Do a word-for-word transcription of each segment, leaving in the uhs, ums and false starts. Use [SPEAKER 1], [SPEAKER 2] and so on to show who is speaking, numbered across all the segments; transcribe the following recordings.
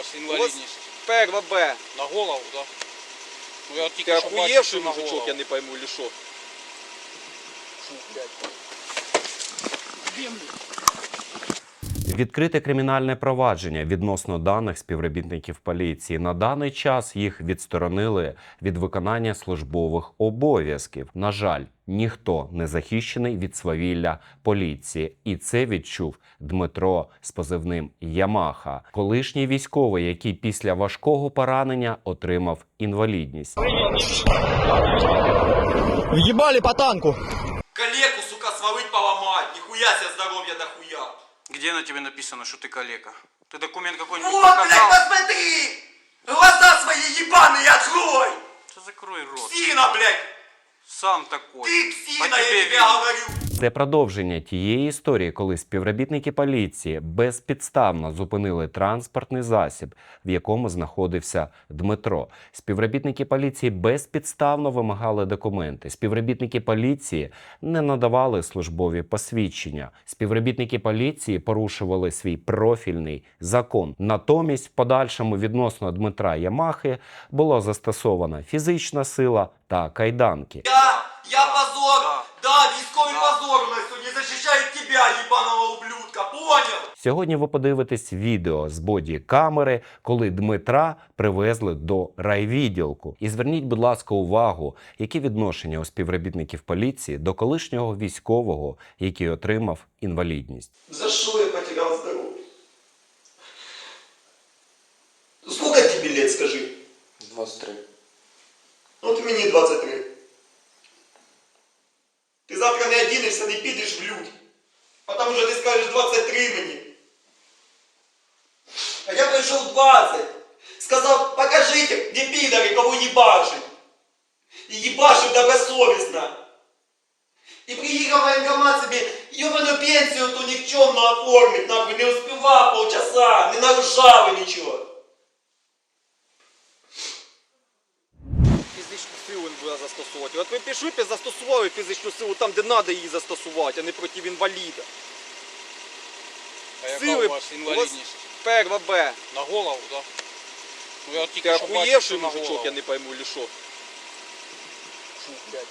[SPEAKER 1] вас інвалідність?
[SPEAKER 2] Перва Б.
[SPEAKER 1] На голову, так? Да? Ну я тільки
[SPEAKER 2] Ти
[SPEAKER 1] що бачив,
[SPEAKER 2] охуєвший
[SPEAKER 1] що на
[SPEAKER 2] мужичок,
[SPEAKER 1] голову.
[SPEAKER 2] я не пойму, или що?
[SPEAKER 1] Фу, блядь.
[SPEAKER 3] Відкрите кримінальне провадження відносно даних співробітників поліції. На даний час їх відсторонили від виконання службових обов'язків. На жаль, ніхто не захищений від свавілля поліції. І це відчув Дмитро з позивним «Ямаха». Колишній військовий, який після важкого поранення отримав інвалідність.
[SPEAKER 4] Въебали по танку!
[SPEAKER 2] Калеку, сука, свалить поломать. Нихуя себе здоровья дохуя.
[SPEAKER 1] Где на тебе написано, что ты калека? Ты документ какой-нибудь
[SPEAKER 2] Вот,
[SPEAKER 1] показал?
[SPEAKER 2] блядь, посмотри! Глаза свои ебаные открой!
[SPEAKER 1] Да закрой рот.
[SPEAKER 2] Псина, блядь!
[SPEAKER 1] Сам такой.
[SPEAKER 2] Ты
[SPEAKER 1] По
[SPEAKER 2] псина,
[SPEAKER 1] тебе
[SPEAKER 2] я тебе
[SPEAKER 1] видно.
[SPEAKER 2] говорю!
[SPEAKER 3] Це продовження тієї історії, коли співробітники поліції безпідставно зупинили транспортний засіб, в якому знаходився Дмитро. Співробітники поліції безпідставно вимагали документи. Співробітники поліції не надавали службові посвідчення. Співробітники поліції порушували свій профільний закон. Натомість, в подальшому відносно Дмитра Ямахи було застосовано фізична сила та кайданки.
[SPEAKER 2] Я, я позор!
[SPEAKER 1] Да.
[SPEAKER 2] Да, військовий
[SPEAKER 1] Да.
[SPEAKER 2] позор у нас сьогодні защищает тебя, ебаного ублюдка, понял?
[SPEAKER 3] Сьогодні ви подивитесь відео з боді-камери, коли Дмитра привезли до райвідділку. І зверніть, будь ласка, увагу, які відношення у співробітників поліції до колишнього військового, який отримав інвалідність.
[SPEAKER 2] За що я потерял здоровье? Сколько тебе лет, скажи?
[SPEAKER 1] двадцать три.
[SPEAKER 2] Вот мені двадцать три. Ти завтра не одінешся, не підеш в люди. Потому що ти скажеш двадцать три мені. А я прийшов двадцать. Сказав, покажите, где пидоры, кого ебашить. И ебашив добросовестно. И приїхав в воєнкомат собі ебаную пенсію ту нікчемну оформить, нахуй, не успівав полчаса, не нарушав нічого. Фізичну силу він буде застосовувати. От ви пішли, застосували фізичну силу там, де треба її застосувати, а не проти інваліда.
[SPEAKER 1] А яка
[SPEAKER 2] Сили
[SPEAKER 1] у вас інвалідність?
[SPEAKER 2] Перва Б.
[SPEAKER 1] На голову, так? Да? Ну я
[SPEAKER 2] Ти
[SPEAKER 1] тільки що бачив,
[SPEAKER 2] охуєвший
[SPEAKER 1] що на
[SPEAKER 2] мужичок,
[SPEAKER 1] голову.
[SPEAKER 2] я не пойму, или що?
[SPEAKER 1] Фу, блядь.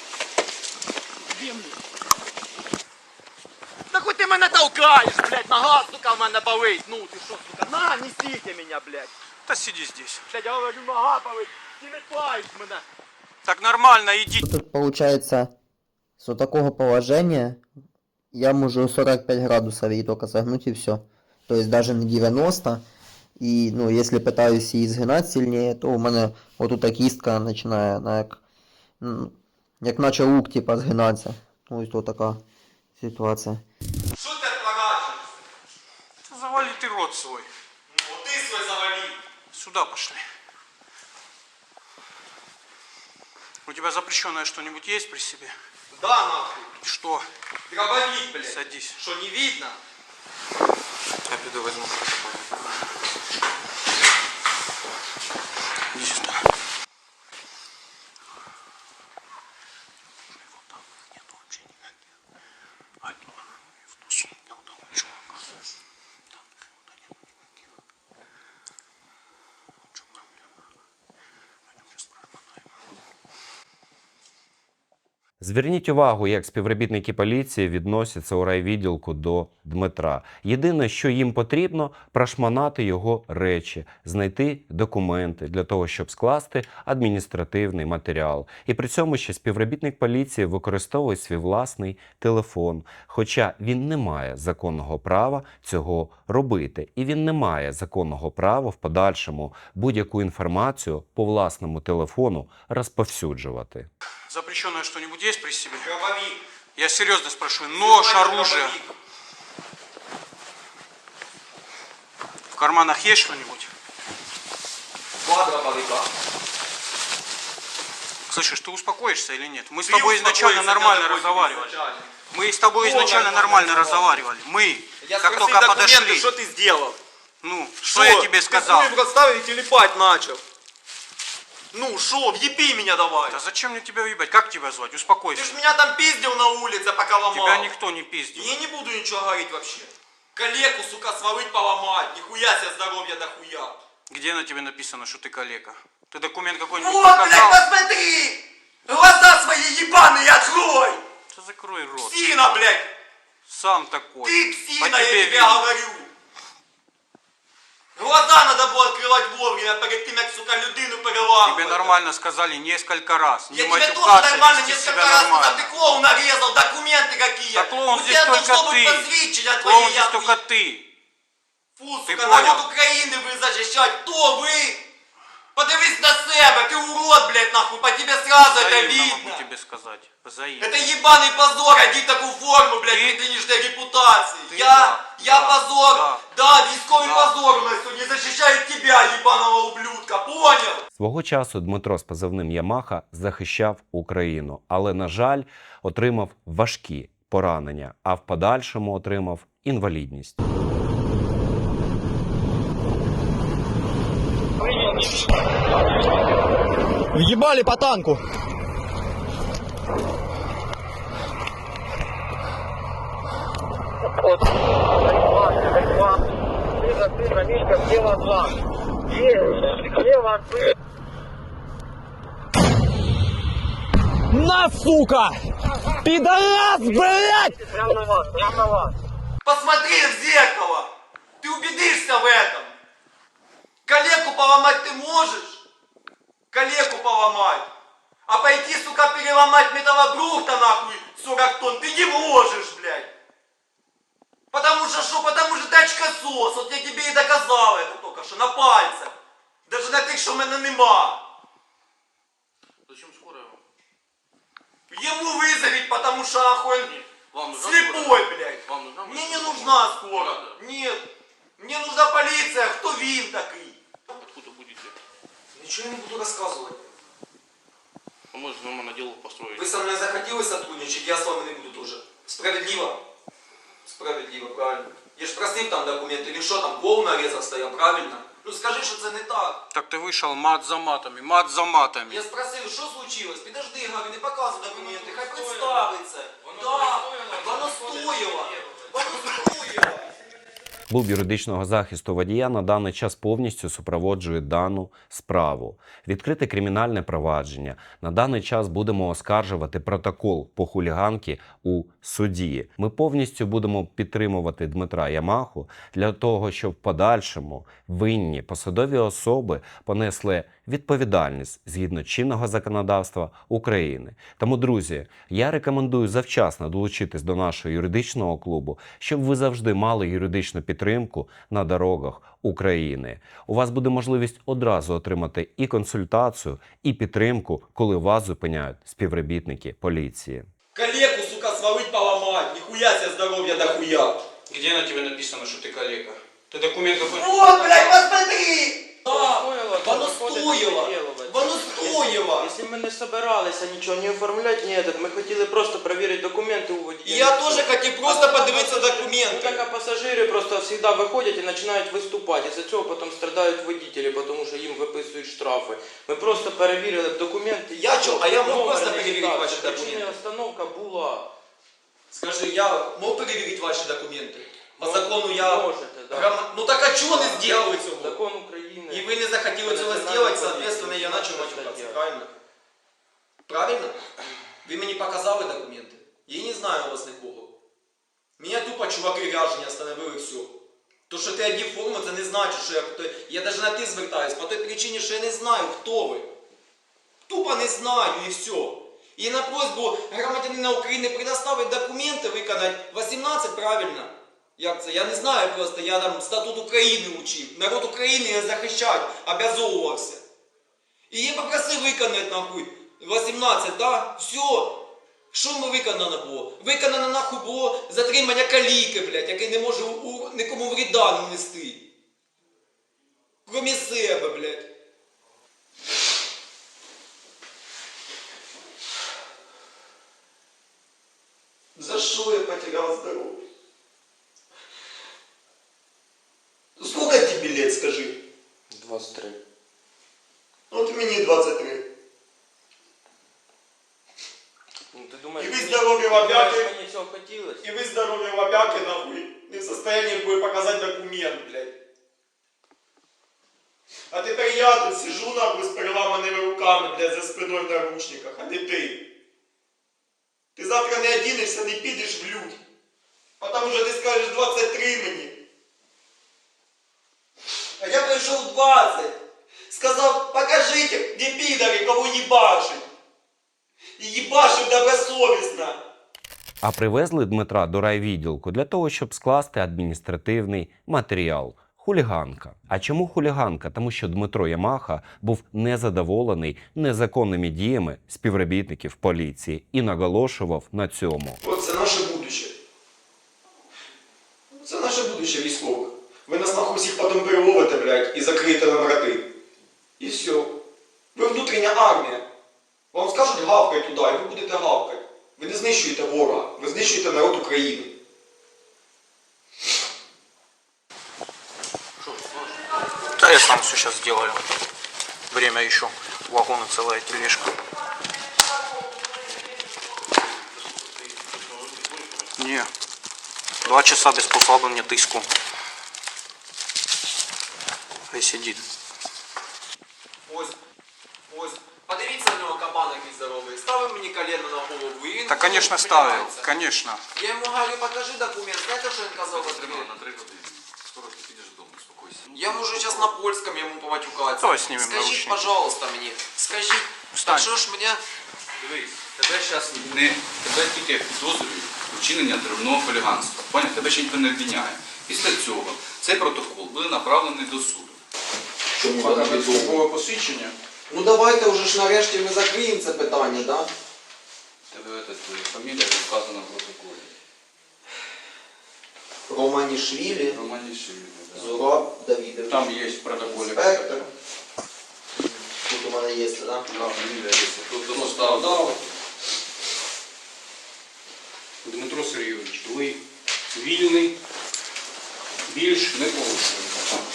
[SPEAKER 2] Да хоть ти мене толкаєш, блядь, нога, сука, в мене болить. Ну, ти що, сука, на, несите мене, блядь.
[SPEAKER 1] Да сиди здесь.
[SPEAKER 2] Блядь, я говорю, нога болить, ти не паєш мене.
[SPEAKER 1] Так нормально, иди.
[SPEAKER 4] Тут получается, с вот такого положения я могу сорок пять градусов ей только согнуть и все. То есть даже не девяносто. И, ну, если пытаюсь її згинати сильнее, то у мене вот тут кістка починає, она як, ну, як наче лук, типа, згинатися. Ось тут така ситуація.
[SPEAKER 2] Що ти отворачиваешься?
[SPEAKER 1] Да завали ты рот свой.
[SPEAKER 2] Ну, вот ты свой завали.
[SPEAKER 1] Сюда пошли. У тебя запрещенное что-нибудь есть при себе?
[SPEAKER 2] Да, нахуй.
[SPEAKER 1] Что?
[SPEAKER 2] Дробовик, блядь.
[SPEAKER 1] Садись.
[SPEAKER 2] Что, не видно?
[SPEAKER 1] Я пойду возьму. Иди сюда. Нет вообще никаких. А, в сумке у того чувака. Там никуда нет никаких. В чем проблема? Пойдем сейчас прошмонаем.
[SPEAKER 3] Зверніть увагу, як співробітники поліції відносяться у райвідділку до Дмитра. Єдине, що їм потрібно – прошманати його речі, знайти документи для того, щоб скласти адміністративний матеріал. І при цьому ще співробітник поліції використовує свій власний телефон, хоча він не має законного права цього робити. І він не має законного права в подальшому будь-яку інформацію по власному телефону розповсюджувати.
[SPEAKER 1] Запрещенное что-нибудь есть при себе?
[SPEAKER 2] Дробовик.
[SPEAKER 1] Я серьезно спрашиваю. Нож,
[SPEAKER 2] Снимай
[SPEAKER 1] оружие.
[SPEAKER 2] дробовик.
[SPEAKER 1] В карманах есть что-нибудь?
[SPEAKER 2] Два дробовика.
[SPEAKER 1] Слышишь, ты успокоишься или нет? Мы с
[SPEAKER 2] Ты
[SPEAKER 1] тобой изначально
[SPEAKER 2] успокоиться
[SPEAKER 1] нормально
[SPEAKER 2] не надо,
[SPEAKER 1] разговаривали.
[SPEAKER 2] изначально.
[SPEAKER 1] Мы с тобой
[SPEAKER 2] Кто
[SPEAKER 1] изначально
[SPEAKER 2] нормально
[SPEAKER 1] нормально разговаривали. Мы,
[SPEAKER 2] Я
[SPEAKER 1] как
[SPEAKER 2] спросил
[SPEAKER 1] только
[SPEAKER 2] документы,
[SPEAKER 1] подошли.
[SPEAKER 2] что ты сделал?
[SPEAKER 1] Ну, что я тебе сказал?
[SPEAKER 2] Ты расставил и телепать начал. Ну, шо, въеби меня давай.
[SPEAKER 1] Да зачем мне тебя въебать? Как тебя звать? Успокойся.
[SPEAKER 2] Ты ж меня там пиздил на улице, пока ломал.
[SPEAKER 1] Тебя никто не пиздил.
[SPEAKER 2] Я не буду ничего говорить вообще. Калеку, сука, свалить, поломать. Нихуя себе здоровья дохуя.
[SPEAKER 1] Где на тебе написано, что ты калека? Ты документ какой-нибудь
[SPEAKER 2] Вот, блядь,
[SPEAKER 1] показал?
[SPEAKER 2] посмотри! Глаза свои ебаные открой!
[SPEAKER 1] Да закрой рот.
[SPEAKER 2] Псина, блядь!
[SPEAKER 1] Сам такой.
[SPEAKER 2] Ты
[SPEAKER 1] По
[SPEAKER 2] псина, я
[SPEAKER 1] тебе
[SPEAKER 2] тебе
[SPEAKER 1] видно.
[SPEAKER 2] говорю! Глаза надо было открывать вовремя, перед тем, как, сука, людину переламывать.
[SPEAKER 1] Тебе нормально сказали несколько раз.
[SPEAKER 2] Я
[SPEAKER 1] Не
[SPEAKER 2] тебе тоже
[SPEAKER 1] матюкаться,
[SPEAKER 2] нормально
[SPEAKER 1] вести
[SPEAKER 2] несколько
[SPEAKER 1] себя
[SPEAKER 2] раз сказал,
[SPEAKER 1] нормально.
[SPEAKER 2] ты клоун нарезал, документы какие.
[SPEAKER 1] Да клоун
[SPEAKER 2] У
[SPEAKER 1] здесь
[SPEAKER 2] тебя
[SPEAKER 1] только
[SPEAKER 2] должно быть
[SPEAKER 1] ты.
[SPEAKER 2] посвідчення
[SPEAKER 1] Клоун
[SPEAKER 2] твоє,
[SPEAKER 1] здесь
[SPEAKER 2] я
[SPEAKER 1] только
[SPEAKER 2] хуй.
[SPEAKER 1] ты.
[SPEAKER 2] Фу,
[SPEAKER 1] Ты
[SPEAKER 2] сука,
[SPEAKER 1] понял?
[SPEAKER 2] народ України ви захищають. Хто ви? Подивись на себе, ты урод, блядь, нахуй, по тебе сразу это
[SPEAKER 1] Взаимно
[SPEAKER 2] видно.
[SPEAKER 1] могу тебе сказать. Взаимно.
[SPEAKER 2] Это ебаный позор, одеть такую форму, блядь,
[SPEAKER 1] Ты-
[SPEAKER 2] нынешней репутации.
[SPEAKER 1] Ты
[SPEAKER 2] Я,
[SPEAKER 1] да,
[SPEAKER 2] я
[SPEAKER 1] да,
[SPEAKER 2] позор,
[SPEAKER 1] да.
[SPEAKER 2] да, військовий
[SPEAKER 1] Да.
[SPEAKER 2] позор у нас сегодня защищает тебя, ебаного ублюдка, понял?
[SPEAKER 3] Свого часу Дмитро з позивним Ямаха захищав Україну, але, на жаль, отримав важкі поранення, а в подальшому отримав інвалідність.
[SPEAKER 5] Въебали по танку. На, сука! Пидорас, блядь!
[SPEAKER 2] Посмотри в зеркало, ты убедишься в этом. Калеку поломать ты можешь? Калеку поломать. А пойти, сука, переломать металлобрухта, нахуй, сорок тонн, ты не можешь, блядь. Потому что что? Потому что ты очкосос. Вот я тебе и доказал это только что, на пальцах. Даже на тих, що в мене нема.
[SPEAKER 1] Зачем скорая?
[SPEAKER 2] Ему вызовить, потому что охуен
[SPEAKER 1] Вам нужна
[SPEAKER 2] слепой,
[SPEAKER 1] скорая?
[SPEAKER 2] блядь.
[SPEAKER 1] Вам нужна
[SPEAKER 2] Мне не
[SPEAKER 1] скорая?
[SPEAKER 2] нужна скоро.
[SPEAKER 1] Надо.
[SPEAKER 2] Нет. Мне нужна полиция. Кто вин такой?
[SPEAKER 1] Откуда будете?
[SPEAKER 2] Ничего я не буду рассказывать.
[SPEAKER 1] А может нормально дело построить?
[SPEAKER 2] Вы со мной захотели сотрудничать, я с вами не буду тоже. Справедливо? Справедливо, правильно. Я ж просив там документи, він що там, клоун нарезав стояв, правильно? Ну скажи, що це не так.
[SPEAKER 1] Так ты вышел мат за матами, мат за матами.
[SPEAKER 2] Я спросив, що случилось? Підожди, говорю, не показуй документи, хай представиться. Да, воно стоїло. Воно стоїло.
[SPEAKER 3] Служба юридичного захисту водія на даний час повністю супроводжує дану справу. Відкрите кримінальне провадження. На даний час будемо оскаржувати протокол по хуліганки у суді. Ми повністю будемо підтримувати Дмитра Ямаху для того, щоб в подальшому винні посадові особи понесли відповідальність згідно чинного законодавства України. Тому, друзі, я рекомендую завчасно долучитись до нашого юридичного клубу, щоб ви завжди мали юридичну підтримку на дорогах України. У вас буде можливість одразу отримати і консультацію, і підтримку, коли вас зупиняють співробітники поліції.
[SPEAKER 2] Калеку, сука, свалить, поломать. Нихуя себе здоровья дохуя.
[SPEAKER 1] Где на тебе написано, что ты калека? Ты документ какой-нибудь
[SPEAKER 2] Вот, блядь, посмотри! Да,
[SPEAKER 6] Стоило,
[SPEAKER 2] воно
[SPEAKER 6] то приходится
[SPEAKER 2] стоїло.
[SPEAKER 6] переделывать.
[SPEAKER 2] Воно стоїло.
[SPEAKER 6] Если мы не собиралися нічого не оформлять, ні, этот, ми хотіли просто перевірити документи у водія.
[SPEAKER 2] Я теж хотів просто подивитися
[SPEAKER 6] Ну
[SPEAKER 2] документи.
[SPEAKER 6] так, а пасажири просто завжди виходять і починають виступати. Із-за цього потім страдають водителі, тому що їм виписують штрафи. Ми просто перевірили документи.
[SPEAKER 2] Я чо, а я мог
[SPEAKER 6] Номер,
[SPEAKER 2] просто перевірити
[SPEAKER 6] реєстрація.
[SPEAKER 2] ваші
[SPEAKER 6] Причина
[SPEAKER 2] документи?
[SPEAKER 6] остановка була.
[SPEAKER 2] Скажи, я мог перевірити ваші документи? По
[SPEAKER 6] Мож-
[SPEAKER 2] закону я...
[SPEAKER 6] можете, да.
[SPEAKER 2] Грам- Ну так а чого не зробили цього?
[SPEAKER 6] Закон України.
[SPEAKER 2] І ви не захотіли цього
[SPEAKER 6] Національна
[SPEAKER 2] зробити,
[SPEAKER 6] поліція.
[SPEAKER 2] соответственно, я почав
[SPEAKER 6] Стаття.
[SPEAKER 2] матюкатися, правильно? Правильно? Ви мені показали документи? Я не знаю у вас нікого. Мене тупо чуваки ряжені остановили, все. То, що ти одів форму, це не значить, що я... Я навіть на ти звертаюсь, по той причині, що я не знаю, хто ви. Тупо не знаю, і все. І на просьбу громадянина України предоставити документи, виконати вісімнадцять, правильно? Як це? Я не знаю просто, я там статут України учив. Народ України я захищати, обязовувався. І я попросив виконати, нахуй, вісімнадцять, да? Все. Що ми виконано було? Виконано, нахуй, було затримання каліки, блядь, який не може у, нікому вреда нанести. Кромі себе, блядь. За что я потерял здоровье? Сколько тебе лет, скажи?
[SPEAKER 6] двадцять три.
[SPEAKER 2] Вот мне двадцать три.
[SPEAKER 6] Ну, ти Думаєш,
[SPEAKER 2] І ви
[SPEAKER 6] мені-
[SPEAKER 2] здорові
[SPEAKER 6] думаєш,
[SPEAKER 2] лапяки.
[SPEAKER 6] мені цього хотілося?
[SPEAKER 2] И вы здоровье лобяки, нахуй, не в состоянии будет показать документ, блядь. А тепер я тут сижу, нахуй, з переламаними руками, блядь, за спиною в наручниках, а не ти. Ти завтра не одінешся, не підеш в людь. Потому що ти скажеш двадцять три мені. А я прийшов двадцять. Сказав, покажите, где пидоры, кого ебашить. І їбашив добросовісно.
[SPEAKER 3] А привезли Дмитра до райвідділку для того, щоб скласти адміністративний матеріал. Хуліганка. А чому хуліганка? Тому що Дмитро Ямаха був незадоволений незаконними діями співробітників поліції і наголошував на цьому.
[SPEAKER 2] От це наше будуще. Це наше будуще військове. Ви нас нахуй всіх потім переловите, блядь, і закриєте на врати. І все. Ви внутрішня армія. Вам скажуть гавкай туди, і ви будете гавкати. Ви не знищуєте ворога, ви знищуєте народ України.
[SPEAKER 1] Да я сам все сейчас сделаю. Время еще. Вагон и целая тележка. Не. Два часа без послабления тиску. Хай сидит.
[SPEAKER 2] Ось, ось. Подивіться на нього кабан який здоровий. Ставив мені колено на голову і він...
[SPEAKER 1] Да, конечно, ставил. Конечно.
[SPEAKER 2] Я йому говорю, покажи документ. Знаєте, що він казав?
[SPEAKER 7] На три години. Скоро ти підеш додому, успокойся.
[SPEAKER 2] Я можу зараз на польському йому поматюкатися.
[SPEAKER 1] Давай знімемо
[SPEAKER 2] Скажіть,
[SPEAKER 1] наручники.
[SPEAKER 2] пожалуйста, мені. Скажіть,
[SPEAKER 1] Встань.
[SPEAKER 2] так що ж мене...
[SPEAKER 7] Дивись, тебе зараз не тебе тільки підозрюють вчинення деревного хуліганства. Поняв? Тебе ще ніхто не обвиняє. Після цього цей протокол буде направлений до суду.
[SPEAKER 2] Чому
[SPEAKER 1] Показати службове посвідчення.
[SPEAKER 2] Ну давайте вже ж нарешті ми закриємо це питання, да?
[SPEAKER 7] Тебе це, твоя фамілія вказана в протоколі.
[SPEAKER 2] Романішвілі,
[SPEAKER 7] Романішвілі, да.
[SPEAKER 2] Зураб Давидович.
[SPEAKER 7] Там є в протоколі.
[SPEAKER 2] Інспектор. Тут у мене є, да?
[SPEAKER 7] Да, фамілія є. Тут воно стало.
[SPEAKER 1] Дмитро Сергійович, ви вільний, більш
[SPEAKER 7] Не порушуємо.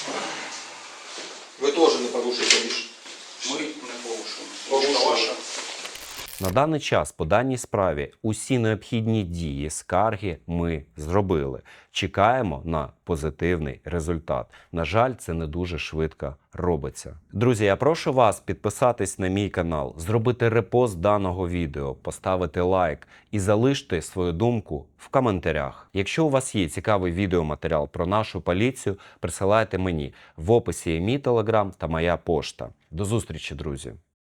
[SPEAKER 2] Ви теж не порушуєте більше.
[SPEAKER 1] ми не порушуємо.
[SPEAKER 2] Порушуємо.
[SPEAKER 1] Ваша.
[SPEAKER 3] На даний час по даній справі усі необхідні дії, скарги ми зробили. Чекаємо на позитивний результат. На жаль, це не дуже швидко робиться. Друзі, я прошу вас підписатись на мій канал, зробити репост даного відео, поставити лайк і залиште свою думку в коментарях. Якщо у вас є цікавий відеоматеріал про нашу поліцію, присилайте мені. В описі є мій телеграм та моя пошта. До зустрічі, друзі!